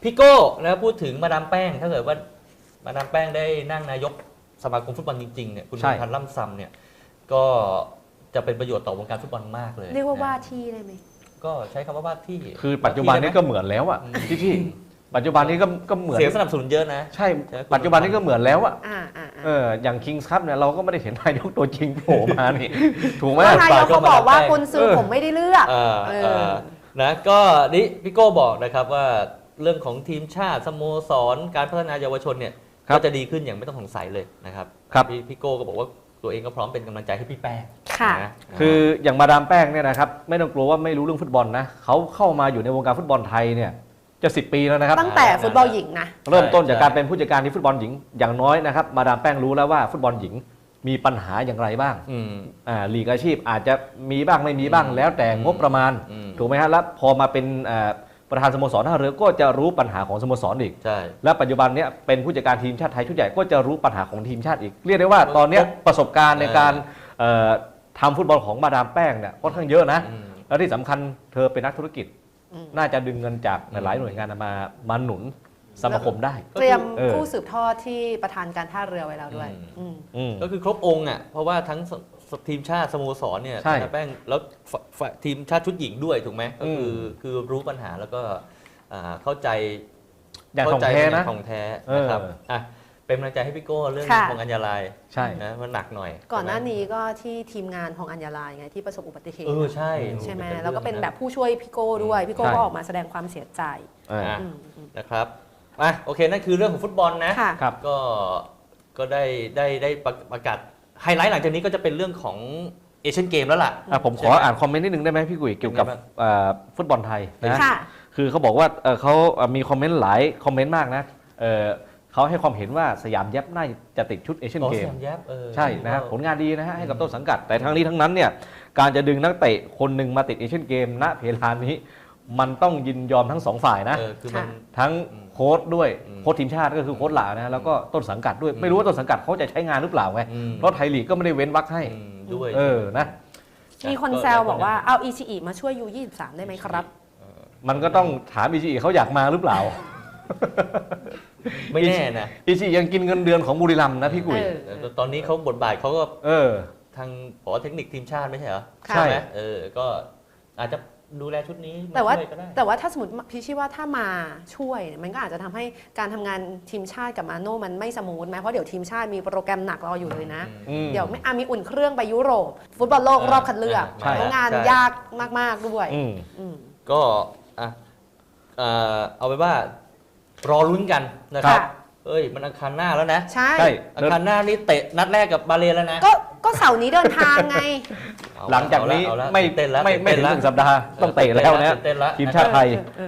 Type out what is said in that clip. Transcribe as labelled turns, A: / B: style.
A: พี่โก้นะพูดถึงมาดามแป้งถ้าเกิดว่ามาดามแป้งได้นั่งนายกสมาคมฟุตบอลจริงๆเนี่ยคุณพันธ์ล่ำซำเนี่ยก็จะเป็นประโยชน์ต่อวงการฟุตบอลมากเลย
B: เรียกว่าว่าที่ได้ไหม
A: ก็ใช้คำว่าว่าที่
C: คือปัจจุบันนี้ก็เหมือนแล้วอ่ะพี่ปัจจุบันนี้ก็เหมือน
A: เสียงสนับสนุนเยอะนะ
C: ใช่ปัจจุบันนี้ก็เหมือนแล้วอ่ะ อย่างคิงส์คัพเนี่ยเราก็ไม่ได้เห็นนายกตัวจริงโผล่มานี่ถูกไหม
B: นายกเขาบอกว่าคนซื้อผมไม่ได้เลือก
A: นะก็นี่พี่โก้บอกนะครับว่าเรื่องของทีมชาติสโมสรการพัฒนาเยาวชนเนี่ยก็จะดีขึ้นอย่างไม่ต้องสงสัยเลยนะครับพี่โก้ก็บอกว่าตัวเองก็พร้อมเป็นกำลังใจให้พี่แป้ง
B: นะ
C: คืออย่างมาดามแป้งเนี่ยนะครับไม่ต้องกลัวว่าไม่รู้เรื่องฟุตบอลนะเขาเข้ามาอยู่ในวงการฟุตบอลไทยเนี่ยจะ10 ปีแล้วนะครับ
B: ตั้งแต่ฟุตบอลหญิงนะ
C: เริ่มต้นจากการเป็นผู้จัดการทีมฟุตบอลหญิงอย่างน้อยนะครับมาดามแป้งรู้แล้วว่าฟุตบอลหญิงมีปัญหาอย่างไรบ้างลีกอาชีพอาจจะมีบ้างไม่มีบ้างแล้วแต่งบประมาณถูกไหมฮะแล้วพอมาเป็นประธานสโมสรท่าเรือก็จะรู้ปัญหาของสโมสรอีกและปัจจุบันนี้เป็นผู้จัดการทีมชาติไทยชุดใหญ่ก็จะรู้ปัญหาของทีมชาติอีกเรียกได้ว่าตอนนี้ประสบการณ์ในการทำฟุตบอลของมาดามแป้งเนี่ยค่อนข้างเยอะนะและที่สำคัญเธอเป็นนักธุรกิจน่าจะดึงเงินจากหลายหน่วยงานมาหนุนสมาคมได้
B: เตรียมผู้สืบทอดที่ประธานการท่าเรือไว้แล้วด้วย
A: ก็คือครบองค์อ่ะเพราะว่าทั้งทีมชาติสโมสรเนี่ยมาแป้งแล้วทีมชาติชุดหญิงด้วยถูกไหมก็คือรู้ปัญหาแล้วก็เข้าใจ
C: อย่างของแท้นะ
A: ของแท้นะครับเป็นกำลังใจให้พี่โก้เรื่องของอัญญาลัย
C: ใช่
A: นะมันหนักหน่อย
B: ก่อนหน้านี้ก็ที่ทีมงานของอัญญาลัยไงที่ประสบอุบัติเหตุใช่ไหมแล้วก็เป็นแบบผู้ช่วยพี่โก้ด้วยพี่โก้ก็ออกมาแสดงความเสียใจ
A: นะครับโอเคนั่นคือเรื่องของฟุตบอลนะครับก็ได้ประกาศไฮไลท์หลังจากนี้ก็จะเป็นเรื่องของเอเชียนเกมแล้วล่ะ
C: ผมขออ่านคอมเมนต์นิดนึงได้ไหมพี่กุ้ยเกี่ยวกับฟุตบอลไทยนะคือเขาบอกว่าเขามีคอมเมนต์หลายคอมเมนต์มากนะเขาให้ความเห็นว่าสยามแยบน่าจะติดชุดเอเชียนเกมใช่นะฮะผลงานดีนะฮะให้กับต้นสังกัดแต่ทั้งนี้ทั้งนั้นเนี่ยการจะดึงนักเตะคนหนึ่งมาติดเอเชียนเกมณเพลานี้มันต้องยินยอมทั้งสองฝ่ายนะทั้งโค้ชด้วยโค้ชทีมชาติก็คือโค้ชหลานะแล้วก็ต้นสังกัดด้วยไม่รู้ว่าต้นสังกัดเขาจะใช้งานหรือเปล่าไงเพราะไทยลีกก็ไม่ได้เว้นวรรคให้
A: ด้วย
C: นะ
B: มีคนแซวบอกว่าเอาอิชิอิมาช่วยU23ได้ไหมครับ
C: มันก็ต้องถามอิชิอิเขาอยากมาหรือเปล่า
A: ไม่แน่นะ
C: อิชิยังกินเงินเดือนของบุรีรัมย์นะพี่กุ้ย
A: ตอนนี้เขาบทบาทเขาก็ทางผอเทคนิคทีมชาติไม่ใช่เหรอ
C: ใช่ไหม
A: ก็อาจจะดูแลชุดนี้
B: แต่ว่าถ้าสมมติพี่ชี้ว่าถ้ามาช่วยมันก็อาจจะทำให้การทำงานทีมชาติกับมาโน่มันไม่สมูทไหมเพราะเดี๋ยวทีมชาติมีโปรแกรมหนักรออยู่เลยนะเดี๋ยวมีอุ่นเครื่องไปยุโรปฟุตบอลโลกรอบคัดเลือกงานยากมากๆด้วย
A: ก็เอาไปว่ารอลุ้นกันนะครับมันอังคารหน้าแล้วนะ
B: ใช่
A: อังคารหน้านี่เตะนัดแรกกับบาเลแล้วนะ
B: ก็เสาร์นี้เดินทางไง
C: หลังจากนี้ไม่เต้นแล้วไม่ถึง1 สัปดาห์ต้องเตะแล้วนะทีมชาติไทย